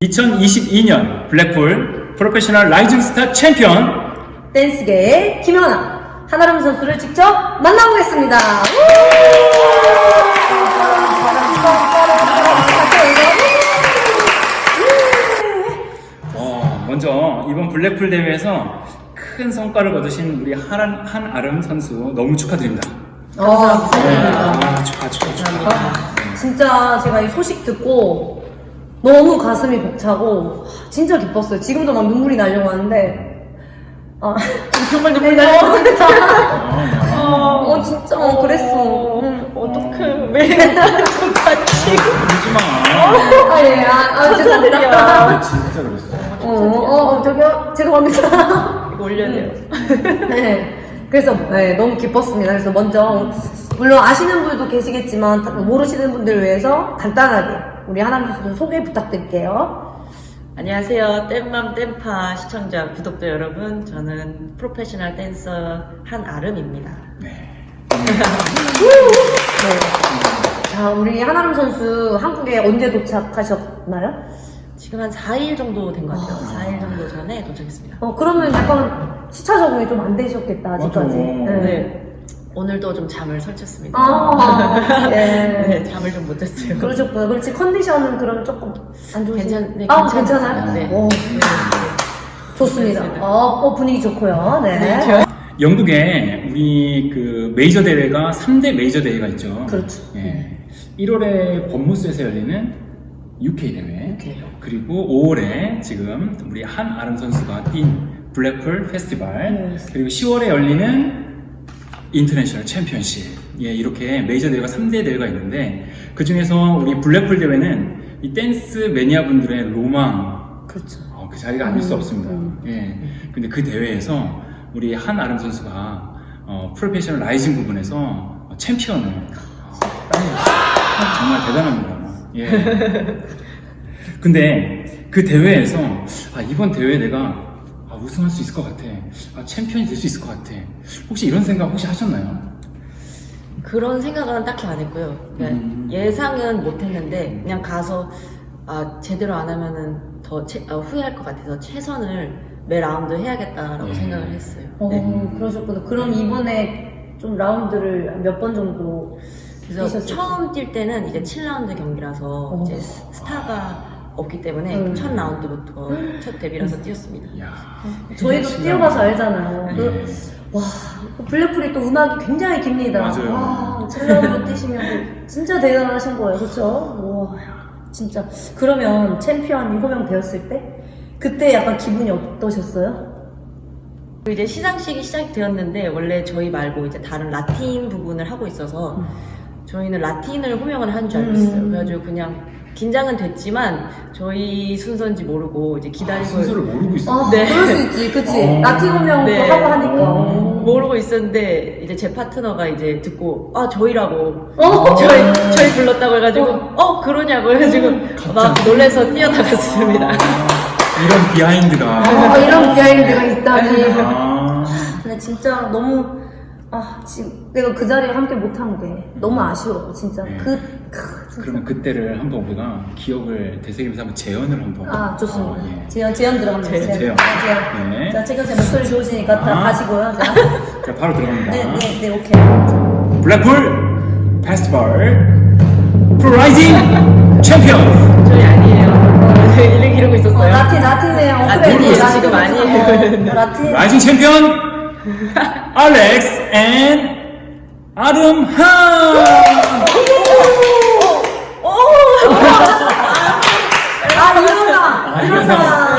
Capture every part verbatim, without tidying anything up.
이천이십이 년 블랙풀 프로페셔널 라이징 스타 챔피언 댄스계의 김연아 한아름 선수를 직접 만나보겠습니다. 어, 먼저 이번 블랙풀 대회에서 큰 성과를 거두신 우리 한, 한아름 선수 너무 축하드립니다. 어, 네, 아, 축하 축하 축하. 진짜 제가 이 소식 듣고 너무 가슴이 벅차고 진짜 기뻤어요. 지금도 막 눈물이 나려고 하는데 아, 정말 눈물이 나려고 하는데 어, 어, 진짜 어, 그랬어. 응. 어떡해. 매일 좀 같이. 울지 마. 아, 예, 아, 아 죄송합니다. 진짜 그랬어. 어, 어, 어, 저기요, 죄송합니다. 이거 올려야 돼요. 네. 그래서 네, 너무 기뻤습니다. 그래서 먼저 물론 아시는 분도 계시겠지만 모르시는 분들을 위해서 간단하게 우리 하나님 선수 소개 부탁드릴게요. 안녕하세요. 땜맘 땜파 시청자, 구독자 여러분. 저는 프로페셔널 댄서 한아름입니다. 네. 네. 자, 우리 하나님 선수 한국에 언제 도착하셨나요? 지금 한 사 일 정도 된 것 같아요. 사 일 정도 전에 도착했습니다. 어, 그러면 약간 시차 적응이 좀 안 되셨겠다, 아직까지. 맞아. 네. 오늘도 좀 잠을 설쳤습니다. 아, 예. 네, 잠을 좀 못 잤어요. 그러셨구나. 그렇지, 컨디션은 그럼 조금 안 좋으세요? 괜찮, 네, 아, 괜찮아요. 괜찮아요? 네. 오, 네. 좋습니다. 좋습니다. 어, 어, 분위기 좋고요. 네. 네. 영국에 우리 그 메이저 대회가 삼 대 메이저 대회가 있죠. 그렇죠. 예. 일월에 법무스에서 열리는 유케이 대회. 유케이요. 그리고 오월에 지금 우리 한아름 선수가 뛴 블랙풀 페스티벌. 네. 그리고 시월에 열리는 인터내셔널 챔피언십. 예, 이렇게 메이저 대회가 삼 대 대회가 있는데 그 중에서 우리 블랙풀 대회는 이 댄스 매니아 분들의 로망. 그렇죠. 어, 그 자리가 아닐 수 음, 없습니다. 음. 예. 근데 그 대회에서 우리 한아름 선수가 어, 프로페셔널 라이징 부분에서 어, 챔피언을 어, 따냈어요. 정말 대단합니다. 예. 근데 그 대회에서 아, 이번 대회에 내가 아, 우승할 수 있을 것 같아. 아, 챔피언이 될 수 있을 것 같아. 혹시 이런 생각 혹시 하셨나요? 그런 생각은 딱히 안 했고요. 그냥 음. 예상은 못 했는데, 그냥 가서, 아, 제대로 안 하면은 더 채- 어, 후회할 것 같아서 최선을 매 라운드 해야겠다라고 네. 생각을 했어요. 어, 네. 그러셨구나. 그럼 이번에 좀 라운드를 몇 번 정도 그래서 뛰셨을지? 처음 뛸 때는 이제 칠 라운드 경기라서 어. 이제 스- 스타가 없기 때문에 음. 첫 라운드부터 첫 데뷔라서 뛰었습니다. 이야. 저희도 뛰어봐서 알잖아요. 예. 그, 와, 그 블랙풀이 또 음악이 굉장히 깁니다. 맞아요. 와, 칠 라운드 뛰시면 진짜 대단하신 거예요. 그쵸? 와, 진짜. 그러면 챔피언이 호명되었을 때? 그때 약간 기분이 어떠셨어요? 이제 시상식이 시작되었는데 원래 저희 말고 이제 다른 라틴 부분을 하고 있어서 음. 저희는 라틴을 호명을 한 줄 알고 음. 있어요. 그래가지고 그냥 긴장은 됐지만 저희 순서인지 모르고 이제 아, 기다리고 순서를 모르고 있어. 아, 네. 그럴 수 있지. 그치. 어. 라틴 호명도 네. 하고 하니까. 어. 모르고 있었는데 이제 제 파트너가 이제 듣고 아 저희라고 어? 저희 저희 불렀다고 해가지고 어, 그러냐고 해가지고 막 놀래서 뛰어나갔습니다. 이런 비하인드가. 아, 이런 비하인드가 있다니. 아. 근데 진짜 너무 아 지금 내가 그 자리에 함께 못한 게 너무 아쉬워 진짜. 네. 그, 크, 진짜. 그러면 그때를 한번 우리가 기억을 되새기면서 한번 재연을 한번. 아 좋습니다. 어, 예. 재현 재현 들어갑니다. 재현, 재현. 재현. 네. 자 지금 제 목소리 좋으시니까 다 아. 가시고요. 자. 자, 바로 들어갑니다. 네네네 네, 오케이. 블랙풀 페스티벌 프로라이징 챔피언. 저희 아니에요. 저희 이렇게 이러고 어, 있었어요. 라틴 라틴이에요. 어, 라틴이에요, 라틴. 지금 아니에요. 어, 라틴. 라이징 챔피언 알렉스 앤 아름한. 아 이현아. 아, 이현아. 이현아.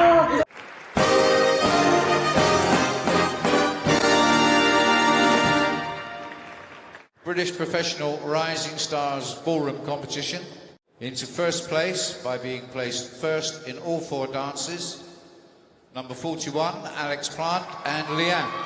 British Professional Rising Stars Ballroom Competition into first place by being placed first in all four dances. Number forty-one, Alex Plant and Leanne.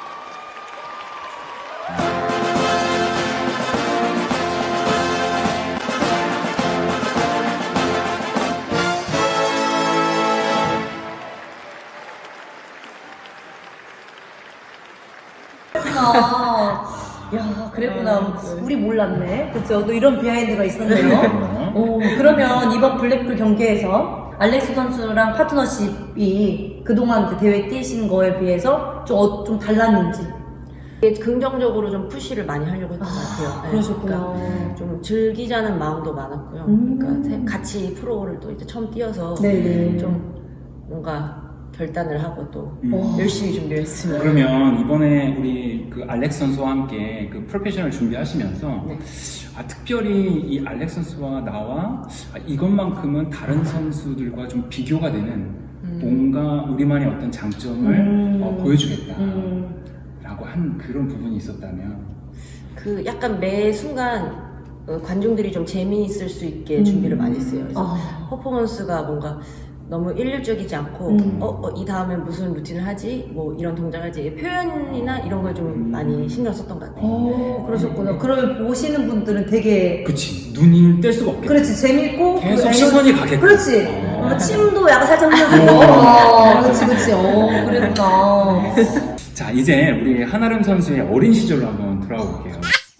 아, 야, 그랬구나. 우리 몰랐네. 그쵸? 또 이런 비하인드가 있었네요. 오, 그러면 이번 블랙풀 경기에서 알렉스 선수랑 파트너십이 그동안 이제 대회 뛰신 거에 비해서 좀, 어, 좀 달랐는지. 되게 긍정적으로 좀 푸시를 많이 하려고 했던 것 같아요. 네, 그러셨구나. 그러니까 좀 즐기자는 마음도 많았고요. 음. 그러니까 세- 같이 프로를 또 이제 처음 뛰어서 네네. 좀 뭔가 결단을 하고 또 음. 와. 열심히 준비를 했습니다. 그러면 이번에 우리 그 알렉스 선수와 함께 그 프로페셔널 준비하시면서 네. 아, 특별히 이 알렉스 선수와 나와 아, 이것만큼은 다른 선수들과 좀 비교가 되는 음. 뭔가 우리만의 어떤 장점을 음. 어, 보여주겠다 음. 라고 한 그런 부분이 있었다면 그 약간 매 순간 어, 관중들이 좀 재미있을 수 있게 음. 준비를 많이 했어요. 그래서 아. 퍼포먼스가 뭔가 너무 일률적이지 않고 음. 어, 어, 이 다음에 무슨 루틴을 하지? 뭐 이런 동작을 하지? 표현이나 이런 걸 좀 음. 많이 신경 썼던 것 같아요. 오, 그러셨구나. 그러면 보시는 분들은 되게 그치 눈이 뗄 수가 없겠지. 그렇지 재밌고 계속 그 에너지- 시선이 가게끔. 그렇지. 어. 어, 침도 약간 살짝 흘려주고. 어, 그렇지 그렇지. 어, 그랬구나. 자 이제 우리 한아름 선수의 어린 시절로 한번 돌아가 볼게요.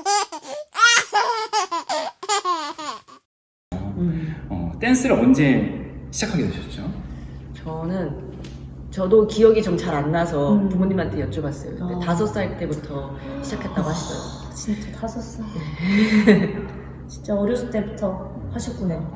음. 어, 댄스를 언제 시작하게 되셨죠? 저는 저도 기억이 좀 잘 안 나서 음. 부모님한테 여쭤봤어요. 근데 아. 다섯 살 때부터 시작했다고 하시더라고요. 진짜 다섯 살. 진짜 어렸을 때부터 하셨구나. 어,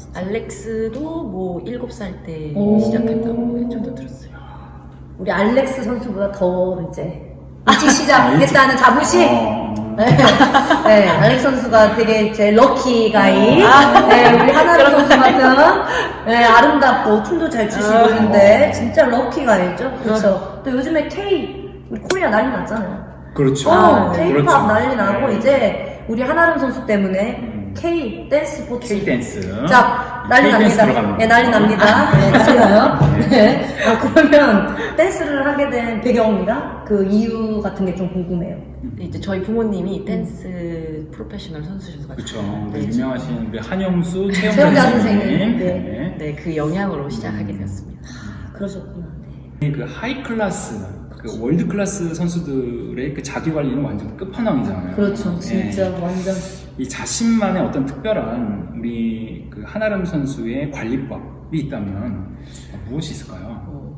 알렉스도 뭐 일곱 살 때 오. 시작했다고 저도 들었어요. 우리 알렉스 선수보다 더 이제 일찍 시작했다는 자부심. 어, 네. 네, 알렉스 선수가 되게 제 럭키 가이. 아. 네, 우리 하나름 선수 같은 네, 아름답고 춤도 잘 추시고 아. 있는데 진짜 럭키 가이죠. 그렇죠. 또 요즘에 K 우리 코리아 난리 났잖아요. 그렇죠. 어, 아, K-팝 그렇죠. 난리 나고 네. 이제 우리 하나름 선수 때문에 음. K 댄스 스포츠. K 댄스. 자, 난리 K-댄스 납니다. 들어가는 네, 난리 거죠. 납니다. 네, 맞아요. 네. 네. 아, 그러면 댄스를 하게 된 배경이랑 그 이유 같은 게 좀 궁금해요. 근데 이제 저희 부모님이 댄스 프로페셔널 선수셔서 그렇죠. 네, 우리 유명하신 우리 한영수 최영자 최영자 선생님. 선생님. 네. 네. 네, 그 영향으로 시작하게 되었습니다. 그러셨구나. 네. 그 하이 클래스, 그 월드 클래스 선수들의 그 자기 관리는 완전 끝판왕이잖아요. 그렇죠. 네. 진짜 완전. 이 자신만의 어떤 특별한 우리 그 한아름 선수의 관리법이 있다면 무엇이 있을까요? 어,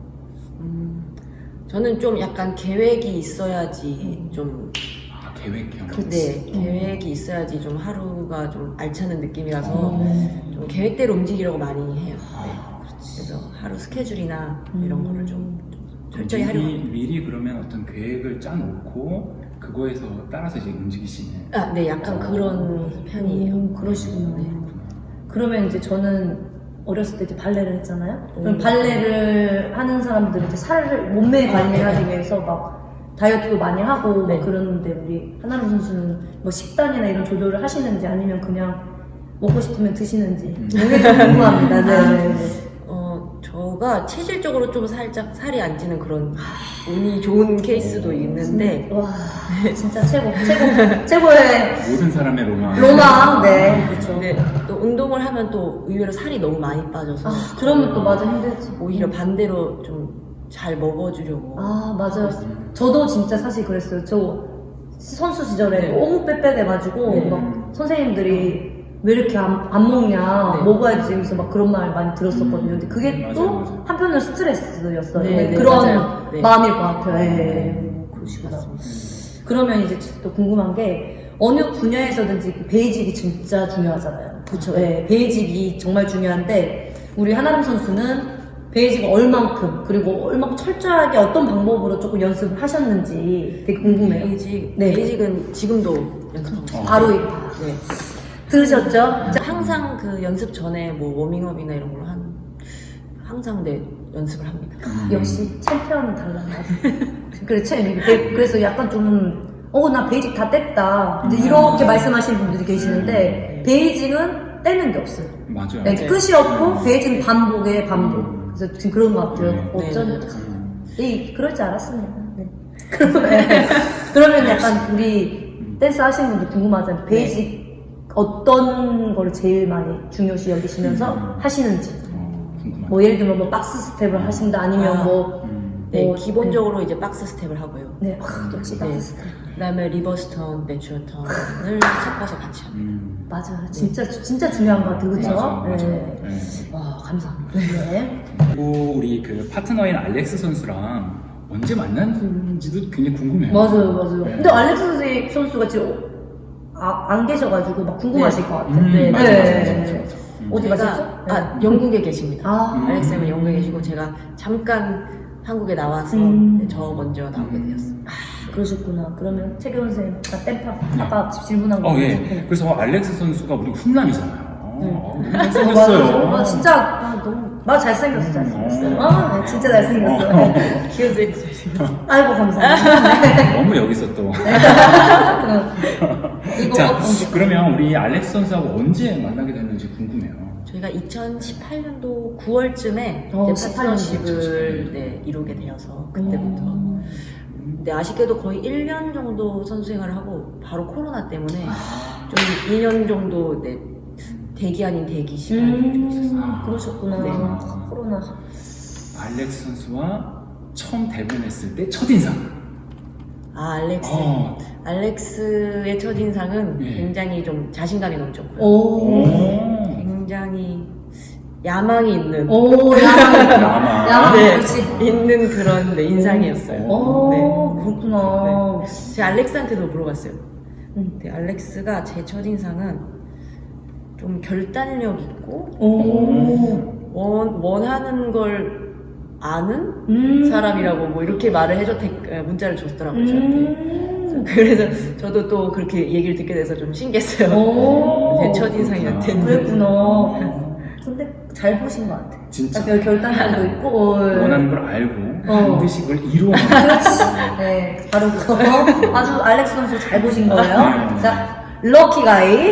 음, 저는 좀 약간 계획이 있어야지 좀 아, 계획형. 네, 음. 계획이 있어야지 좀 하루가 좀 알차는 느낌이라서 어. 좀 계획대로 움직이려고 많이 해요. 네. 아, 그래서 하루 스케줄이나 음. 이런 거를 좀, 좀 철저히 하려고 미리, 합니다. 미리 그러면 어떤 계획을 짜놓고 그거에서 따라서 이제 움직이시는. 아, 네, 약간 그런 편이에요. 음, 그러시구나. 네. 그러면 이제 저는 어렸을 때 이제 발레를 했잖아요. 그럼 음. 발레를 하는 사람들은 이제 살을 몸매 관리하기 위해서 막 다이어트도 많이 하고 네. 막 그러는데 우리 하나름 선수는 뭐 식단이나 이런 조절을 하시는지 아니면 그냥 먹고 싶으면 드시는지 음. 이게 좀 궁금합니다. 네. 어, 저가 체질적으로 좀 살짝 살이 안 찌는 그런 운이 좋은 케이스도 있는데 와 진짜 최고 최고 최고의 모든 사람의 로망. 로망. 네 그렇죠. 근데 또 운동을 하면 또 의외로 살이 너무 많이 빠져서 아 그러면 또 맞아 힘들지. 오히려 반대로 좀 잘 먹어주려고 아 맞아요. 음. 저도 진짜 사실 그랬어요. 저 선수 시절에 네. 너무 빼빼돼가지고 네. 막 선생님들이 왜 이렇게 안, 안 먹냐 네. 먹어야지 그래서 막 그런 말 많이 들었었거든요. 근데 그게 음, 맞아요, 또 맞아요. 한편으로 스트레스였어요. 네, 네, 네, 그런 맞아요. 네. 마음일 것 같아요. 예. 네. 그러시구나. 맞습니다. 그러면 이제 또 궁금한 게 어느 분야에서든지 그 베이직이 진짜 중요하잖아요. 그렇죠. 예, 베이직이 정말 중요한데 우리 하나름 선수는 베이직을 얼만큼 그리고 얼만큼 철저하게 어떤 방법으로 조금 연습을 하셨는지 되게 궁금해요. 베이직, 네. 베이직은 지금도 연습하고 있어요. 어. 바로 이- 네. 들으셨죠? 항상 그 연습 전에 뭐 워밍업이나 이런 걸로 한 항상 네 연습을 합니다. 음. 역시 챔피언은 달라. 그렇죠. 그래서 약간 좀 어 나 베이직 다 뗐다. 이제 이렇게 말씀하시는 분들이 계시는데 음. 베이직은 떼는 게 없어요. 맞아요. 네, 네. 끝이 없고 베이직은 반복에 반복. 음. 그래서 지금 그런 것 같아요. 네. 어쩐 네. 음. 네, 그럴 줄 알았습니다. 네. 그러면, 그러면 약간 우리 댄스 하시는 분들 궁금하잖아요. 베이직 어떤 걸 제일 많이 중요시 여기시면서 음. 하시는지. 어, 궁금하다. 뭐 예를 들면 뭐 박스 스텝을 하신다 아니면 아. 뭐 음. 네, 어, 기본적으로 이제 박스 스텝을 하고요. 네, 아, 역시 네. 박스. 그다음에 리버스 턴, 내추럴 턴을 섞어서 같이 합니다. 음. 맞아요. 진짜 진짜 중요한 것 같아요. 그렇죠? 맞아, 맞아. 네. 네. 와, 감사합니다. 네. 그리고 우리 그 파트너인 알렉스 선수랑 언제 만났는지도 굉장히 궁금해요. 맞아요, 맞아요. 네. 근데 알렉스 선수가 지금 아, 안 계셔가지고 막 궁금하실 네. 것 같아요. 음, 네, 맞아, 네. 맞아, 맞아, 맞아, 맞아. 음. 어디 제가- 가셨죠? 네. 아, 영국에 계십니다. 아, 음. 알렉스는 영국에 계시고 제가 잠깐 한국에 나와서 음. 네, 저 먼저 나오게 되었어요. 그러셨구나. 그러면 최경원 선생님, 아까 땜파, 아까 질문한 거. 어, 예. 네. 그래서 알렉스 선수가 우리 훈남이잖아요. 네. 어, 너무 어, 맞아요. 잘생겼어요. 아, 진짜, 아, 너무, 나 잘생겼어, 잘생겼어. 음. 아, 네, 진짜 잘생겼어. 네. 키워드에 주시면 아이고, 감사합니다. 너무 여기서 또. 네. 이거, 자, 어, 언제? 그러면 우리 알렉스 선수하고 언제 만나게 됐는지 궁금해요. 저희가 이천십팔 년도 구월쯤에 어, 이제 십팔 년 파트너십을 네, 이루게 되어서 그때부터. 음. 근데 아쉽게도 거의 일 년 정도 선수 생활을 하고 바로 코로나 때문에 좀 이 년 정도 네, 대기 아닌 대기 시간이 좀 있었어요. 음, 그러셨구나. 네. 코로나. 알렉스 선수와 처음 대면했을 때 첫인상. 아, 알렉스. 어. 알렉스의 첫인상은 예. 굉장히 좀 자신감이 넘쳤고요. 오. 오. 굉장히 야망이 있는 오, 야망. 야망. 야망, 네, 그렇지. 있는 그런 네, 인상이었어요. 오, 네. 그렇구나. 제가 알렉스한테도 물어봤어요. 음. 네, 알렉스가 제 첫인상은 좀 결단력 있고 오. 원, 원하는 걸 아는 음. 사람이라고 뭐 이렇게 말을 해줘 문자를 줬더라고요 저한테. 음. 그래서 저도 또 그렇게 얘기를 듣게 돼서 좀 신기했어요. 오. 제 첫인상이었대는. 그랬구나. 근데 잘 보신 것 같아. 진짜. 아, 결단력도 있고. 어. 원하는 걸 알고 어. 반드시 그걸 이루어내는. 네, 바로 그거. 아주 알렉스 선수 잘 보신 거예요. 네. 자, 럭키 가이.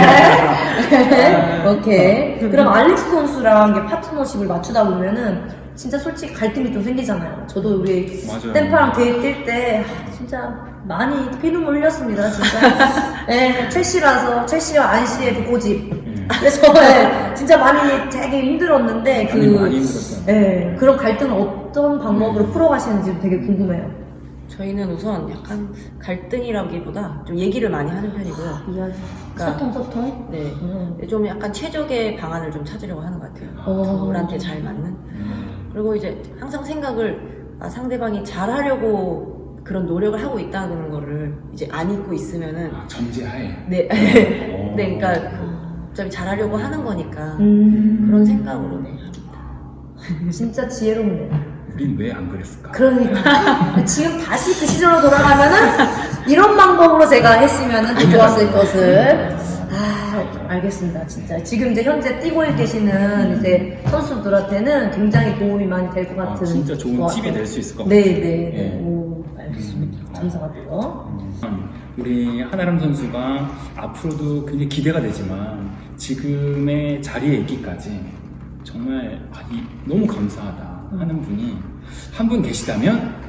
네. 오케이. 그럼 알렉스 선수랑 이게 파트너십을 맞추다 보면은 진짜 솔직히 갈등이 좀 생기잖아요. 저도 우리 맞아요. 댐파랑 데이트 뛸 때 진짜 많이 피눈물 흘렸습니다. 진짜. 네, 첼시라서 첼시와 안시의 그 고집. 음. 그래서 네, 진짜 많이 되게 힘들었는데 그 많이 많이 힘들었어요. 네, 그런 갈등을 어떤 방법으로 풀어가시는지 되게 궁금해요. 저희는 우선 약간 갈등이라기보다 좀 얘기를 많이 하는 편이고요. 이야기. 그러니까- 소통 소통. 네. 음. 좀 약간 최적의 방안을 좀 찾으려고 하는 것 같아요. 어. 둘한테 잘 맞는. 음. 그리고 이제 항상 생각을 아, 상대방이 잘하려고 그런 노력을 하고 있다는 거를 이제 안 잊고 있으면은 아, 전제하에. 네, 어. 네, 그러니까 어차피 잘하려고 하는 거니까 음. 그런 생각으로 네 합니다. 진짜 지혜롭네요. 우린 왜 안 그랬을까? 그러니까 지금 다시 그 시절로 돌아가면은 이런 방법으로 제가 했으면은 더 좋았을 것을. 아, 알겠습니다. 진짜 지금 이제 현재 뛰고 계시는 이제 선수들한테는 굉장히 도움이 많이 될 것 아, 같은. 진짜 좋은 것 팁이 같아요. 될 수 있을 것 같아요. 네, 네, 네. 예. 오, 알겠습니다. 음. 감사하고요. 음, 우리 한아름 선수가 앞으로도 굉장히 기대가 되지만 지금의 자리에 있기까지 정말 아, 이, 너무 감사하다 하는 분이 한 분 계시다면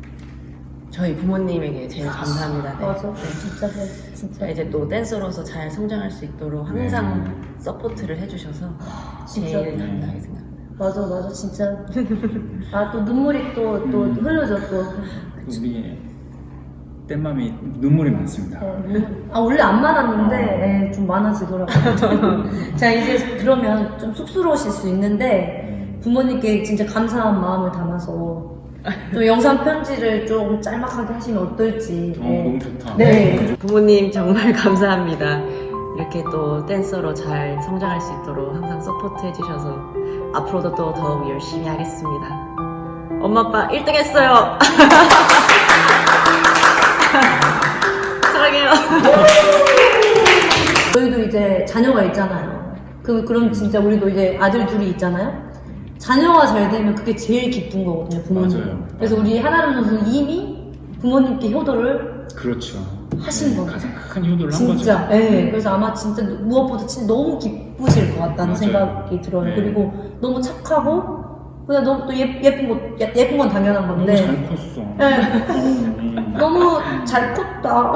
저희 부모님에게 제일 감사합니다. 네. 맞아. 진짜, 네, 진짜. 제가 이제 또 댄서로서 잘 성장할 수 있도록 항상 네. 서포트를 해주셔서 진짜. 제일 감사하게 생각합니다. 맞아, 맞아, 진짜. 아, 또 눈물이 또, 또 음. 흘러져, 또. 우리 땜맘이 눈물이 많습니다. 네. 아, 원래 안 많았는데, 예, 좀 많아지더라고요. 자, 이제 그러면 좀 쑥스러우실 수 있는데, 부모님께 진짜 감사한 마음을 담아서, 또 영상 편지를 좀 짤막하게 하시면 어떨지. 어, 네. 너무 좋다. 네. 부모님 정말 감사합니다. 이렇게 또 댄서로 잘 성장할 수 있도록 항상 서포트 해주셔서 앞으로도 또 더욱 열심히 하겠습니다. 엄마 아빠 일 등 했어요. 사랑해요. 저희도 이제 자녀가 있잖아요. 그, 그럼 진짜 우리도 이제 아들 둘이 있잖아요. 자녀가 잘 되면 그게 제일 기쁜 거거든요, 부모님. 맞아요. 그래서 우리 한아름 선수는 이미 부모님께 효도를 그렇죠. 하신 네, 거죠. 가장 큰 효도를 한 진짜. 거죠. 예. 그래서 아마 진짜 무엇보다 진짜 너무 기쁘실 것 같다는 맞아요. 생각이 들어요. 네. 그리고 너무 착하고, 그냥 너무 또 예, 예쁜 거, 예- 예쁜 건 당연한 너무 건데. 잘 컸어. 네. 음. 너무 잘 컸다.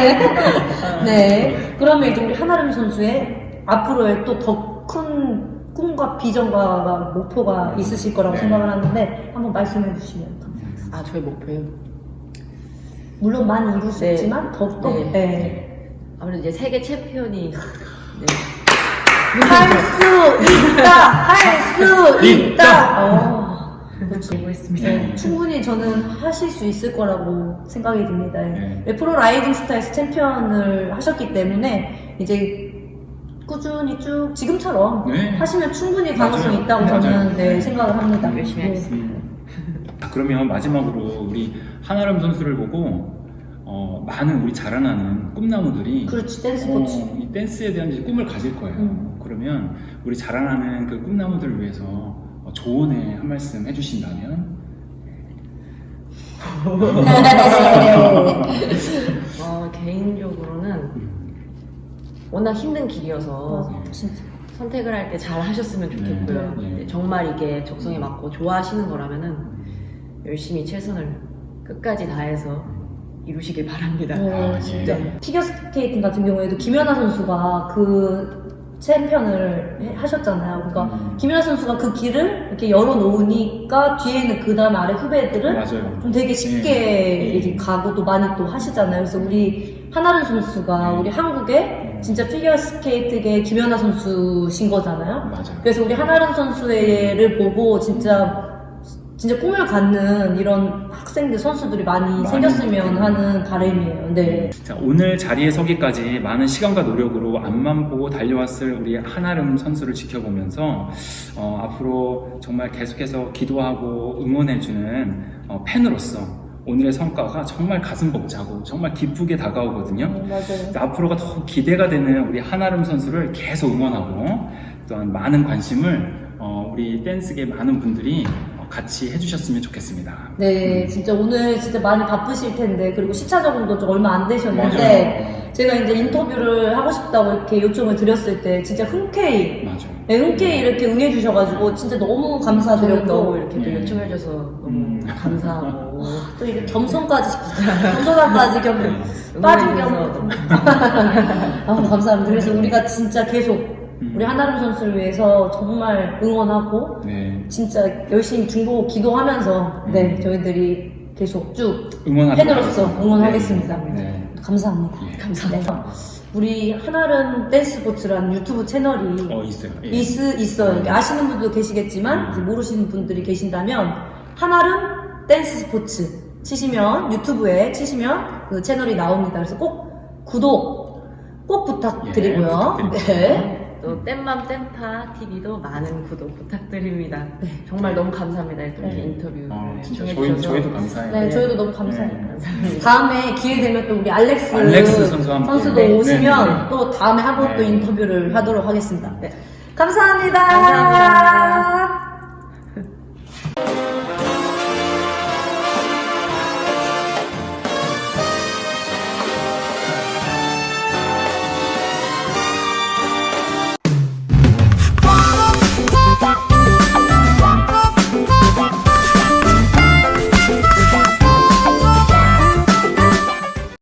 네. 네. 그러면 이제 우리 한아름 선수의 앞으로의 또 더 큰 꿈과 비전과 목표가 있으실 거라고 네. 생각을 하는데 한번 말씀해 주시면 감사하겠습니다. 아, 저의 목표요. 물론 많이 이루셨지만 네. 더욱더 네. 네. 아무래도 이제 세계 챔피언이 네. 할 수 있다! 할 수 있다! 어, 그렇죠. 해보겠습니다. 네, 충분히 저는 하실 수 있을 거라고 생각이 듭니다. 네. 네, 프로 라이딩 스타에서 챔피언을 하셨기 때문에 이제 꾸준히 쭉 지금처럼 네. 하시면 충분히 가능성이 맞아요. 있다고 맞아요. 저는 네, 네. 생각을 합니다. 열심히 네. 하겠습니다. 자, 그러면 마지막으로 우리 한아름 선수를 보고 어, 많은 우리 자라나는 꿈나무들이 그렇지, 댄스 어, 코치. 이 댄스에 대한 이제 꿈을 가질 거예요. 음. 그러면 우리 자라나는 그 꿈나무들을 위해서 어, 조언의 한 말씀 해주신다면? 어, 개인적으로는 워낙 힘든 길이어서 맞아, 진짜. 선택을 할 때 잘 하셨으면 좋겠고요. 네, 네. 네, 정말 이게 적성에 맞고 좋아하시는 거라면은 열심히 최선을 끝까지 다해서 이루시길 바랍니다. 어, 아, 진짜. 예. 피겨스케이팅 같은 경우에도 김연아 선수가 그 챔피언을 해- 하셨잖아요. 그러니까 음. 김연아 선수가 그 길을 이렇게 열어놓으니까 뒤에는 그 다음 아래 후배들은 맞아요. 좀 되게 쉽게 예. 이렇게 가고 또 많이 또 하시잖아요. 그래서 우리 한아름 선수가 음. 우리 한국의 진짜 피겨스케이트계 김연아 선수신 거잖아요. 맞아요. 그래서 우리 한아름 선수를 보고 진짜 진짜 꿈을 갖는 이런 학생들 선수들이 많이 많이 생겼으면 네. 하는 바람이에요. 네. 자, 오늘 자리에 서기까지 많은 시간과 노력으로 앞만 보고 달려왔을 우리 한아름 선수를 지켜보면서 어, 앞으로 정말 계속해서 기도하고 응원해주는 어, 팬으로서 오늘의 성과가 정말 가슴 벅차고 정말 기쁘게 다가오거든요. 네, 맞아요. 앞으로가 더 기대가 되는 우리 한아름 선수를 계속 응원하고 또한 많은 관심을 어, 우리 댄스계 많은 분들이 어, 같이 해주셨으면 좋겠습니다. 네, 진짜 오늘 진짜 많이 바쁘실 텐데, 그리고 시차 적응도 좀 얼마 안 되셨는데, 맞아요. 제가 이제 인터뷰를 하고 싶다고 이렇게 요청을 드렸을 때, 진짜 흔쾌히, 맞아요. 네, 흔쾌히 이렇게 응해주셔가지고, 진짜 너무 저는 감사드렸고, 너무 이렇게 또 네. 요청해줘서 너무 음. 감사하고 또 이렇게 겸손까지, 겸손함까지 겸, 네. 빠진 겸. 응원해주셔서 아, 감사합니다. 그래서 우리가 진짜 계속, 음. 우리 한아름 선수를 위해서 정말 응원하고, 네. 진짜 열심히 중보 기도하면서, 음. 네, 저희들이 계속 쭉 응원하도록 팬으로서 하겠습니다. 응원하겠습니다. 네. 네. 감사합니다. 예. 감사합니다. 우리 한아름 댄스포츠라는 유튜브 채널이 어, 있어요. 예. 있, 있어요. 이렇게 아시는 분도 계시겠지만 음. 이제 모르시는 분들이 계신다면 한아름 댄스 스포츠 치시면 유튜브에 치시면 그 채널이 나옵니다. 그래서 꼭 구독 꼭 부탁드리고요. 예, 부탁드립니다. 네. 또 땜맘 땜파 티비도 많은 구독 부탁드립니다. 네. 정말 너무 감사합니다. 이렇게 네. 인터뷰 어, 진짜 저희, 신청해주셔서 저희도 감사해요. 네, 저희도 너무 감사해요. 네. 감사합니다. 다음에 기회 되면 또 우리 알렉스, 알렉스 선수와 함께. 선수도 네, 오시면 네, 네. 또 다음에 한 번 또 네. 인터뷰를 하도록 하겠습니다. 네. 감사합니다. 감사합니다.